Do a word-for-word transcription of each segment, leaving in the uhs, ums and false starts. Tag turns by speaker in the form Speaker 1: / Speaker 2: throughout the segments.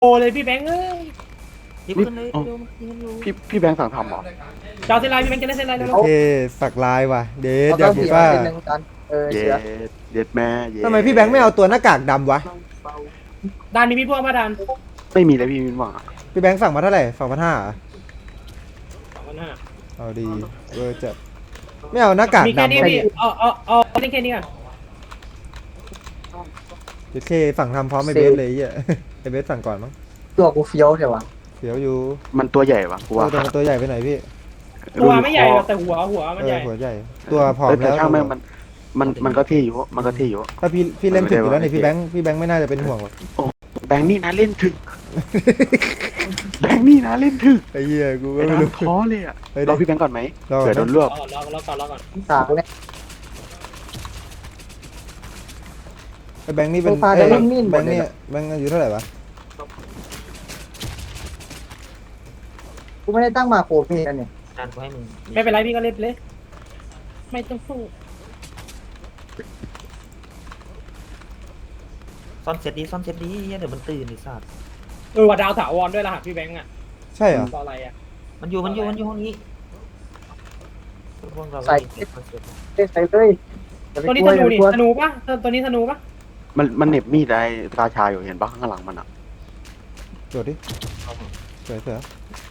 Speaker 1: โอ้เลยพี่แบงค์เอ้ย
Speaker 2: ยิบขึ้นเลยเร็วมันยิงกันอยู่
Speaker 3: พี่พี่แบงค์สั่งทำเหรอ
Speaker 1: จอเซนไลน์พี่แบงค์จะเล่นเซนไลน์แล้ว
Speaker 4: โอเคสักลายว่ะเดท
Speaker 5: เขา
Speaker 4: อยา
Speaker 5: ก็
Speaker 4: กพูด
Speaker 5: เสีย
Speaker 4: ว่า
Speaker 5: เป็นหนึ่งกันเออ
Speaker 3: เย็
Speaker 5: เชีย
Speaker 3: ดเย็ดแม่เย็ด
Speaker 4: ทำไมพี่แบงค์ไม่เอาตัวหน้ากากดำวะ
Speaker 1: ดานมีพี่พวกมาดาน
Speaker 3: ไม่มีเลยพี่มินหวังอะ
Speaker 4: พี่แบงค์สั่งมาเท่าไหร่สองพันห้า
Speaker 1: สองพันห้า
Speaker 4: เอาดีเวอร์จัดไม่เอาหน้ากาก
Speaker 1: มีแค่
Speaker 4: ดำ
Speaker 1: นี้
Speaker 4: วะ
Speaker 1: พี่เอาเอาเอาเล่นแค่นี้ก่อน
Speaker 4: โอเคสั่งทำพร้อมไอเบสเลยไอ้เหี้ย ไอเบสสั่งก่อนมั้ง
Speaker 5: ตัวกูเฟี้ยวเดี๋ยววะ
Speaker 4: เดี๋ยวอยู่
Speaker 3: มันตัวใหญ่ปะกู
Speaker 4: ตัว
Speaker 3: ว่า
Speaker 4: ตัวตัวใหญ่ไปหน่อยพี่
Speaker 1: ตัวไม่ใหญ่หรอกแต่หัวหัวมัน
Speaker 4: เอ
Speaker 1: ให
Speaker 4: อ
Speaker 1: ญ่
Speaker 4: หัวใหญ่ตัวผอม
Speaker 3: เออแต่
Speaker 4: แล้ว
Speaker 3: ช่างแม่งมันมันมันก็เท่อยู่มันก็เท่อยู่
Speaker 4: ถ้าพี่พี่เล่นถึงอยู่แล้วนี่
Speaker 3: ไม่ได้
Speaker 4: พี่แบงค์พี่แบงค์ไม่น่าจะเป็นห่วงหรอก
Speaker 3: แบงค์นี่นะเล่นถึกแบงค์นี่นะเล่นถึก
Speaker 4: ไอ้เหี้ยกูก็
Speaker 3: ไอ้
Speaker 4: ไม่
Speaker 3: น้
Speaker 4: รู้
Speaker 3: ำท้อเลยอะ
Speaker 4: เฮ้ย
Speaker 3: รอพี่แบงค์ก่อนไหม
Speaker 4: รอก่อนนะ
Speaker 3: เผื่อโดนรวบ
Speaker 1: รอรอรอก่อนรอก่อน
Speaker 5: สาวเนี่ย
Speaker 4: ไอ้แบงค์นี่เป็น
Speaker 5: โซฟา
Speaker 4: เอ้ย
Speaker 5: จะเล่นมีดหม
Speaker 4: แบ
Speaker 5: ด
Speaker 4: งค์
Speaker 5: เลย
Speaker 4: นี่
Speaker 5: เหรอ
Speaker 4: แบงค์อายุเท่าไหร่วะ
Speaker 5: กูไม่ได้ตั้งมาโคพี่กันเนี่ย
Speaker 2: จานกูให้มึง
Speaker 1: ไม่เป็นไรพี่ก็เล่นเลยไม่ต้องสู้
Speaker 2: ซ่อนเสร็จดีซ่อนเสร็จดีเหี้ยเดี๋ยวมันตื่นไอ้สัตว์
Speaker 1: เออว่าดาวถาวรด้วยรหัสพี่แบงค์อ่ะ
Speaker 4: ใช่เหรอ
Speaker 1: ต่ออะไรอ่ะ
Speaker 2: มันอยู่มันอยู่มันอยู่ห้องนี้พวกเราก็ยิงเสร็จมันเสร็จ
Speaker 5: เล่นใส่เลยอย่าไป
Speaker 1: ตัวนี้
Speaker 5: กลั
Speaker 1: ธ
Speaker 5: ว
Speaker 1: นู
Speaker 5: อย่าไป
Speaker 1: นี่
Speaker 5: กลัว
Speaker 1: ธนูปะตัวนี้ธนูปะ
Speaker 3: มันมันเหน็บมีดไอ้ราชาอยู่เห็นปะข้างหลังมันอะ
Speaker 4: โดดดิเสือเสือ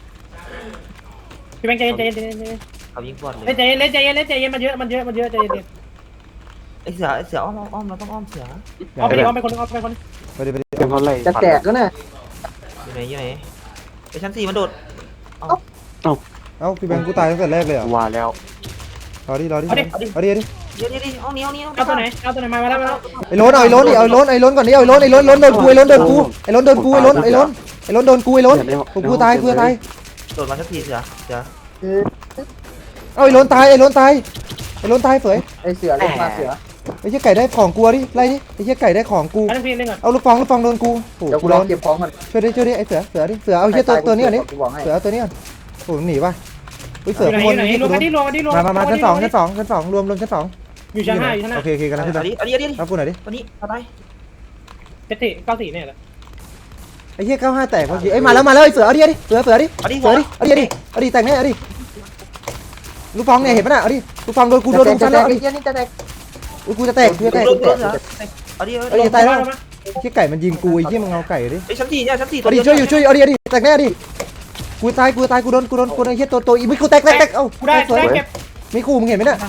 Speaker 1: พี่แบงค์ใจเย็นใจเย็นใจเย็นใจเย็น
Speaker 2: เขายิงบอดเลย
Speaker 1: เล่นใจเย็นเล่นใจเย็นเล่นใจเย็นมันเยอะมันเยอะมันเยอะใจเย็น
Speaker 2: ไอ้เสือไอ้เสืออ้อมอ้อมเราต้องอ้อมเสือ
Speaker 1: เอาไปเอาไปคนเอาไปคน
Speaker 4: ไปดิไปดิ
Speaker 3: เป็นเพราะอะไร
Speaker 5: จะแตกก็น่ะ
Speaker 2: อยู่ไหนอยู่ไหนไอ้ชั้นสี่มันโดด
Speaker 4: เอ้าพี่แบงค์กูตายตั้งแต่แรกเลยเหรอ
Speaker 3: ว่าแล้ว
Speaker 4: รอดิรอดิ
Speaker 1: เอาดิ
Speaker 4: เอาดิเอาดิ
Speaker 2: เดี๋ยวเดี๋ยวเดี๋ยวห้องนี้ห้องนี้
Speaker 1: เอาตัวไหนเอาตัวไหนมามาแล้วมาแล้ว
Speaker 4: ไอ้ล้นเอาไอ้ล้นดิเอาไอ้ล้นไอ้ล้นก่อนดิเอาไอ้ล้นไอ้ล้นล้นโดนกูไอ้ล้นโดนกูไอ้ล้นโดนกูไอ้ล้นไอ้ล้นไอ้ล้นโดนกูไอ้ล้นกูกูตายกูตาย
Speaker 2: โดดมาสักทีเสือเสือ
Speaker 5: คือ
Speaker 4: เอาไอ้ล้นตายไอ้ล้นตายไอ้ล้นตายเฝย
Speaker 5: ไอเสือเล่นมาเสือ
Speaker 4: ไอ้เหี้ยไก่ได้ของกูดิไล่ดิไอ้เหี้ยไก่ได้ของกู
Speaker 1: เอาพี่เล่นก่อน
Speaker 4: เอาลูกฟองลูกฟองโดนกูโอ้
Speaker 5: เดี๋ยว
Speaker 4: กู
Speaker 5: กูร
Speaker 4: ร้
Speaker 5: อ
Speaker 4: อน
Speaker 5: เก็บของมัน
Speaker 4: ช่วยดิช่วยดิไอ้เสือเสือดิเสือเอาเหี้ยตัวตัวนี้ก่อนดิ
Speaker 5: กูบอกให้
Speaker 4: เสือเอาตัวนี้ก่อนโอ้หนีป่ะอุ้ย
Speaker 1: อ
Speaker 4: เสือยู่
Speaker 1: ไหน
Speaker 4: ข้าง
Speaker 1: อบ
Speaker 4: น
Speaker 1: ยู่ไหน
Speaker 4: นี่
Speaker 1: รวม
Speaker 4: กู
Speaker 1: กันที่รวมกันที่รวม
Speaker 4: มามามาชั้นสองชั้นสองชั้นสองรวมรวมชั้นสอง
Speaker 1: อยู่ชั้นห้าอยู่ชั้นห้า
Speaker 4: โอเคโอเคกันนะขึ้น
Speaker 2: เอา
Speaker 4: ไป
Speaker 2: ดิเอาดิเอาดิ
Speaker 4: รับกูหน่อยดิ
Speaker 2: วันนี้เอาไป
Speaker 1: เจ็ดสี่เก้าสี่เนี่ยเหรอ
Speaker 4: ไอ้เหี้ยเก้าห้าแตกเมื่อกี้ไอ้ยมาแล้วมาแล้วไอ้เสือเอาดิเอาดิเสือเสือดิ
Speaker 2: เอาดิ
Speaker 4: เสือดิเอาดิเอาดิเอาดิแตกแน่เอาดิลูกฟองเนี่ยเห็นปะน่ะเอาดิลูกฟองโดนกูโดน
Speaker 5: จะ
Speaker 4: ลูก
Speaker 5: แต
Speaker 4: ชั้
Speaker 5: ก
Speaker 4: นแล้วเอา
Speaker 5: ไอ้
Speaker 4: ดิ
Speaker 5: เหี้ยนี่จะแตก
Speaker 4: อุ๊ยกูจะแตกกูจะแตก
Speaker 2: โด
Speaker 4: กู
Speaker 2: น
Speaker 4: จะ
Speaker 2: โด
Speaker 4: แต
Speaker 2: น
Speaker 4: ก
Speaker 2: เสือเอาดิเอา
Speaker 4: เอ้
Speaker 2: ดิ
Speaker 4: ยตายแล้วเหี้ยไก่มันยิงกูไอ้เหี้ยมึงเอาไก่ดิ
Speaker 2: ไอ้ชั้นสี่เนี่ยชั้นสี่
Speaker 4: เอาดิช่วยอยู่ช่วยเอาดิเอาดิแตกแน่ดิกูตายกูตายกูโดนกูโดนกูโดนไอ้เหี้ยตัวตัวอีไม่กูแตกแตกแตกเอ้า
Speaker 1: กูได้
Speaker 4: สวย
Speaker 1: ได้เก็บ
Speaker 4: ไม่คู่มึงเห็นไหมเนี่ย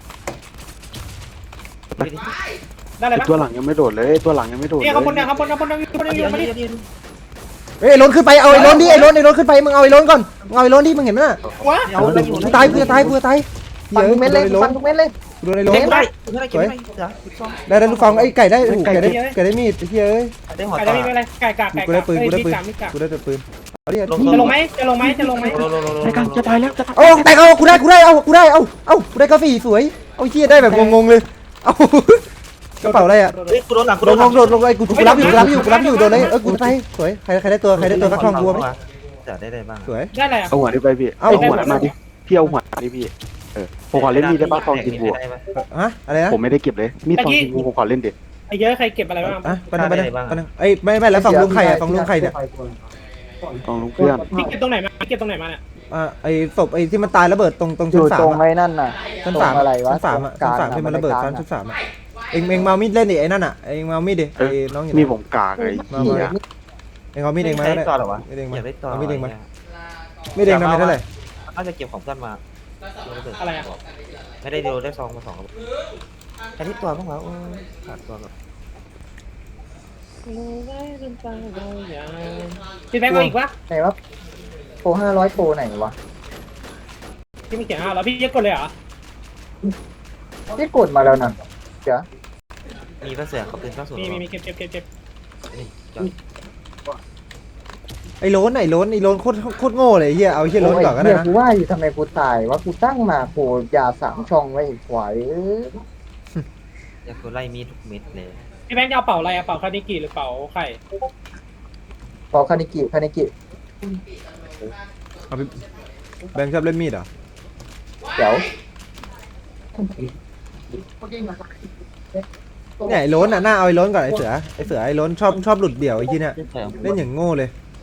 Speaker 1: ได้เลย
Speaker 3: ไอ้
Speaker 1: ปะ
Speaker 3: ตัวหลังยังไม่โดดเลยตัวหลังยังไม่โดดเล
Speaker 1: เนี่ย
Speaker 3: ย
Speaker 1: ข้างบนเนี่ยข้างบนข้างบนข้างบนข้างบน
Speaker 2: เอาดิ
Speaker 1: อยู่
Speaker 2: เอา
Speaker 1: มา
Speaker 2: ดิ
Speaker 1: ดิ
Speaker 2: เอาดิ
Speaker 4: เฮ้ยไอ้ล้นขึ้นไปเอาไอ้ล้นดิไอ้ล้นไอ้ล้นขึ้นไปมึงเอาไอ้ล้นก่อนมึงเอาไอ้ล้นดิมึงเห็นไหมน่ะ
Speaker 1: วะ
Speaker 2: เอาไปอยู่
Speaker 4: กูตายกูจะตายกูจะตาย
Speaker 5: ฟันทุกเม็ดเลย
Speaker 4: กูโดนไอ้ล้
Speaker 5: ฟั
Speaker 4: น
Speaker 5: นทุกเม็ดเลย
Speaker 4: กูโดนไอ้ล้น
Speaker 2: เก็บได้เก็บได้เก็บได้เสือซ่อม
Speaker 4: ได้ได้ลูกฟองไอ้ไก่ได้โอ้โหไก่ได้ไก่ได้มีดไอ้เหี้ยเอ้ย
Speaker 2: ได้หัว
Speaker 1: ไก่
Speaker 2: ต่
Speaker 1: ได้
Speaker 2: อ
Speaker 1: ไม่เป็นไรไก่กากไก่
Speaker 4: กูได้ปืนกูได้ปืน
Speaker 1: กากมีกาก
Speaker 4: กูได้แต่ปืนเอาดิ
Speaker 2: ลง
Speaker 1: จะลงไหมจะลงไหมจะลงไหม
Speaker 2: ลงลงลงลง
Speaker 3: ไอ้กันจะตายแล้วจะตาย
Speaker 4: เอาแต่เอากูได้กูได้เอากูได้เอาเอากูได้กาแฟสวยเอาเหี้ยได้แบบงงๆเลยเอากระเป๋าอะไรอ่ะ
Speaker 2: เฮ้ยกูโดนหลังกู
Speaker 4: ล
Speaker 2: โด
Speaker 4: ง
Speaker 2: น
Speaker 4: ลงโดดลงไอ้กูกูรับอยู่กูรับอยู่กูรับอยู่โดนเลยเออกูตายสวยใครใครได้ตัวใครได้ตัวสักทองบัวไหม
Speaker 2: จะได้ได้บ้าง
Speaker 4: สวย
Speaker 1: ได้อะไรอ่ะ
Speaker 3: เอาหัวนี่ไปพี่
Speaker 4: เอา
Speaker 3: เอาหัวมาดิพี่เอาหัวมาดิพี่เออผมขอเล่นมีดได้ป่ะทองกินบัว
Speaker 4: ฮะอะไรนะ
Speaker 3: ผมไม่ได้เก็บเลยมีดทองกินบัวผมขอเล่นดิ
Speaker 1: ไอ้เยอะใครเก็บอะไรบ้าง
Speaker 4: อ่ะไปนั่งไปนั่งไปนั่งไอ้ไม่ไม่แล้วฝั่งลุงไข่อ่ะฝั่งลุงไข่เนี่ย
Speaker 3: ลองลุงเพื่อน
Speaker 1: พี่เก็บตรงไหนมาพี่เก็บตรงไหนมาเนี่ย
Speaker 4: อ่าไอ้ศพไอ้ที่มันตายระเบิดตรงตรง
Speaker 5: อ
Speaker 4: ชั้น
Speaker 5: ยู่
Speaker 4: สา
Speaker 5: ตร
Speaker 4: ม
Speaker 5: งไอ้นั่นน่ะ
Speaker 4: ชั้น
Speaker 5: ตร
Speaker 4: สาม
Speaker 5: งอะไรวะ
Speaker 4: ชั้นสามอ่ะชั้นสามที่มันระเบิดชั้นชั้นสามอ่ะเอ็งเอ็งมามีดเล่นดิไอ้นั่นอ่ะเอ็งมามีดดิไอ้น้องอยู่
Speaker 3: มี
Speaker 4: ไหน
Speaker 3: ผมกากเลย
Speaker 4: มามา เอ็งเอามีดเอ็งมา
Speaker 2: ได้
Speaker 4: ได้
Speaker 2: ต่อหรอวะ
Speaker 4: มีดเอ็งมา
Speaker 2: อยากได้ต่อ
Speaker 4: เอามีดเอ็งมามีดเอ็งทำไมเท่าไหร่
Speaker 2: น่าจะเก็บของเพื่อนมา
Speaker 1: อะไรอ่ะ
Speaker 2: ไม่ได้เดียวได้ซองมาสองแค่ที่ตัวบ้างวะโอ้ขาดตัวแบบ
Speaker 1: พี่แบงค์เอาอีกวะ
Speaker 5: ไหนวะโปรห้าร้อยโปรไหนวะ
Speaker 1: พี่ไม่เขียนห้าแล้วพี่ยังกดเลยเหรอ
Speaker 5: ที่กดมาแล้วนั่นเดี๋ยว
Speaker 2: มีพระเสือเขาเป็นเก้าศูนย์
Speaker 1: มีมีมีเก็บเก็บเก็บเก็บ
Speaker 2: นี่
Speaker 4: ไอ้โล้นไอ้โล้นไอ้โล้นโคตรโคตรโง่เลยเฮียเอาเฮียโล้นก่อนก็ได้
Speaker 5: เดี๋ยว
Speaker 4: นะ
Speaker 5: กูว่าอยู่ทำไมกูตายว่ากูตั้งมาโปรยาสามช่องไว้อีกขวายเออ
Speaker 2: อยากกูไล่มีทุกเม็ดเลย
Speaker 1: พี่แบงค์จะเอาเป่าอะไรอะเป่าคานิกิหรือเป่าไข่
Speaker 5: พอคานิกิคานิกิ
Speaker 4: เอาไปแบงค์ชอบเล่นมีดเหรอ
Speaker 5: เดี๋ยว
Speaker 4: เนี่ยไอ้โล้นอ่ะหน้าเอาไอ้โล้นก่อนไอ้เสือไอ้เสือไอ้โล้นชอบชอบหลุดเดี่ยวไอ้ที่เนี่ยเล่นอย่างโง่เลย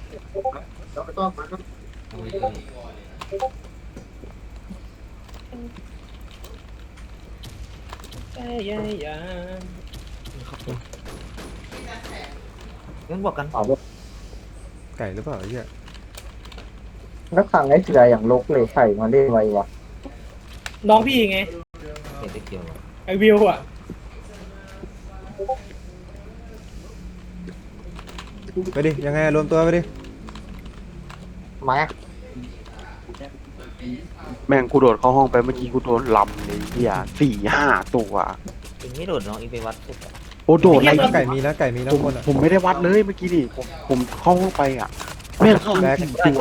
Speaker 1: เอ้ยเอ้ยเอ้ย
Speaker 2: งั้นบวกกัน
Speaker 5: เอา
Speaker 4: ไก่หรือเปล่าไอ้เหี้ย
Speaker 5: แล้วขังไอ้เสืออย่างลกเลยไข่มาเล่นไววะ
Speaker 1: น้องพี่ไง
Speaker 2: เห็นได้เกี่ยว
Speaker 1: ไอวิวอ่ะ
Speaker 4: ไปดิยังไงรวมตัวไปดิ
Speaker 5: มา
Speaker 3: แม่งกูโดดเข้าห้องไปเมื่อกี้กูโดนลำเลยเฮียสี่ห้าตัว
Speaker 2: อิงไม่โดดน้องอิงไปวัดสุดอะ
Speaker 3: โอ้โดดอะไร
Speaker 4: ไก่มีนะไก่มีนะ
Speaker 3: ผม
Speaker 4: คนอ่ะ
Speaker 3: ผมไม่ได้วัดเลยเมื่อกี้นี่ผมผมเข้าห้องไปอ่ะแม่งเข้า
Speaker 4: แบ็ค
Speaker 3: สี่ตัว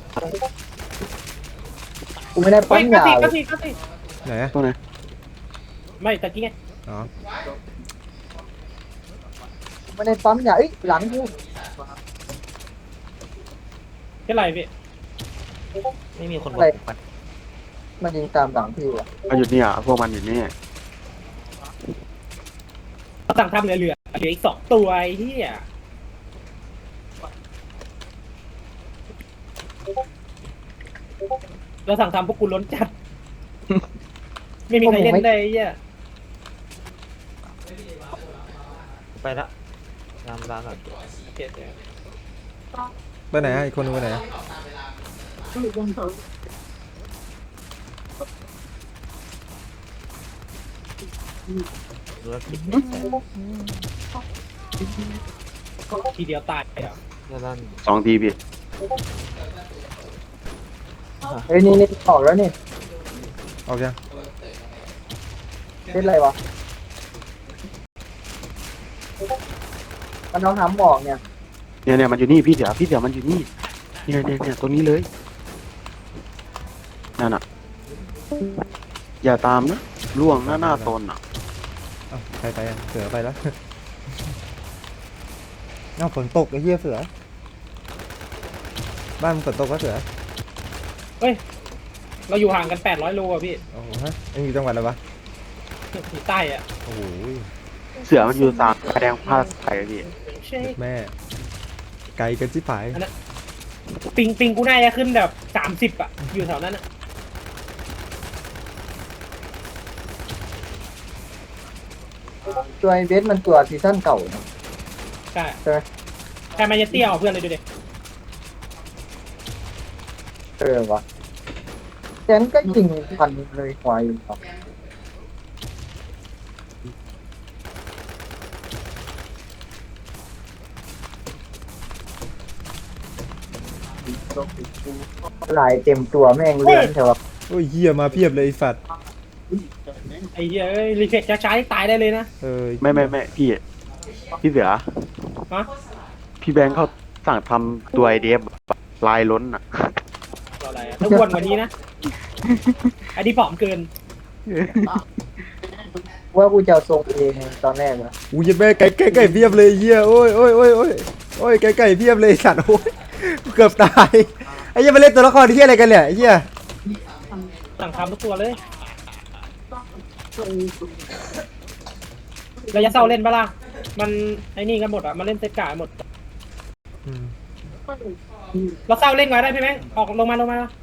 Speaker 5: กูไม่ได้
Speaker 1: เฮ้
Speaker 5: ปั้
Speaker 1: ย
Speaker 5: น
Speaker 1: ก็
Speaker 5: ยา
Speaker 1: สิ
Speaker 5: เล
Speaker 1: ก็
Speaker 5: ย
Speaker 1: สิก็สิ
Speaker 4: ไหนอะ
Speaker 3: ตัวไหน
Speaker 1: ไม่ตะกี้ไง
Speaker 4: อ๋อ
Speaker 5: กูไม่ได้ปั้มยาเอ้ยหลังกู
Speaker 1: แค่ไรพี่
Speaker 2: ไม่มีคนบอกปัด
Speaker 5: มันยิงตามหลังพี่อะ
Speaker 3: เอาอยู่เนี่ยพวกมันอยู่นี่
Speaker 1: สั่งทำเหลือเหลือเหลืออีกสองตัวไอ้ที่อ่ะเราสั่งทำพวกกูล้นจัด ไม่มีใครเล่นเลยไอ้เหี้ย
Speaker 2: ไปละตามร้านก่อน
Speaker 1: โอเคโอเค
Speaker 4: ไปไหนอะอีกคนนึงไปไหนอะ
Speaker 2: ธุรกิจ
Speaker 1: ทีเดียวตายอ่ะ
Speaker 2: ด้าน
Speaker 3: สองทีพี่
Speaker 5: เฮ้ยนี่นี่ออกแล้วนี่
Speaker 4: ออกยัง
Speaker 5: เล่นอะไรวะมันเอาหำบอกเนี่ย
Speaker 3: เนี่ยเนี่ยมันอยู่นี่พี่เดี๋ยวพี่เดี๋ยวมันอยู่นี่เนี่ยเนี่ยเนี่ยตรงนี้เลยนั่นอ่ะอย่าตามนะล่วงหน้าหน้าตนอ่ะ
Speaker 4: เอ้าใครไปอะเสือไปแล้ว เอ้าฝนตกไอ้เหี้ยเสือบ้านมึงฝนตกก็เสือ
Speaker 1: เราอยู่ห่างกันแปดร้อยโลอ่ะพี่
Speaker 4: โอ้โหฮะเอ็งอยู่จังหวัดอะไรวะ
Speaker 1: อยู่ใต้อ่ะ
Speaker 4: โอ้โห
Speaker 3: เสือมันอยู่สามแดงผ้าใสพี่
Speaker 1: ใช่
Speaker 4: แม่ไกลกันชิบหาย
Speaker 1: ปิงปิงกูน่าจะขึ้นแบบสามสิบอ่ะ อยู่แถวนั้นอ่ะ
Speaker 5: ตัวไอเบสมันตัวซีซั่นเก่านะ
Speaker 1: ใช่
Speaker 5: ใช่ไหม
Speaker 1: ใครมาจะเตี้ยเอาเพื่อนเลยดูดิ
Speaker 5: เออวะแกนก็ยิงพันเลยควายครับลายเต็มตัวแม่งเลื่อนใช่ปะ
Speaker 4: โอ้ยเหี้ยมาเพียบเลยไอ้สัตว์
Speaker 1: ไอ้เหี้ยเอ้ยรีเฟกช้าๆนี่ตายได้เลยนะ
Speaker 4: เออ
Speaker 3: ไม่ไม่ไม่พี่พี่เสือ
Speaker 1: ฮะ
Speaker 3: พี่แบงค์เขาสั่งทำตัวไอเดฟลายล้นอ่ะ
Speaker 1: ตัวอะไรอ่ะถ้าอ้วนกว่านี้นะ อันนี้ผอมเกิน
Speaker 5: ว่ากูจะเอาทรงเองตอนแรกนะ
Speaker 4: อู้ยแม่ไก่ไก่ไก่เพียบเลยเหี้ยโอ้ยโอ้ยโอ้ยโอ้ยโอ้ยไก่ไก่เพียบเลยไอ้สัตว์โอ้ยกูเกือบตายไอ้เหี้ยมาเล่นตัวละครที่เหี้ยอะไรกันเนี่ยไอ้เหี้ย
Speaker 1: สั่งทำทุกตัวเลยเราจะเศร้าเล่นปะล่ะ มันไอ้นี่กันหมดอ่ะ มาเล่นเซตกาหมด
Speaker 4: อืม
Speaker 1: เราเศร้าเล่นไว้ได้พี่แม่งออกลงมาลงมา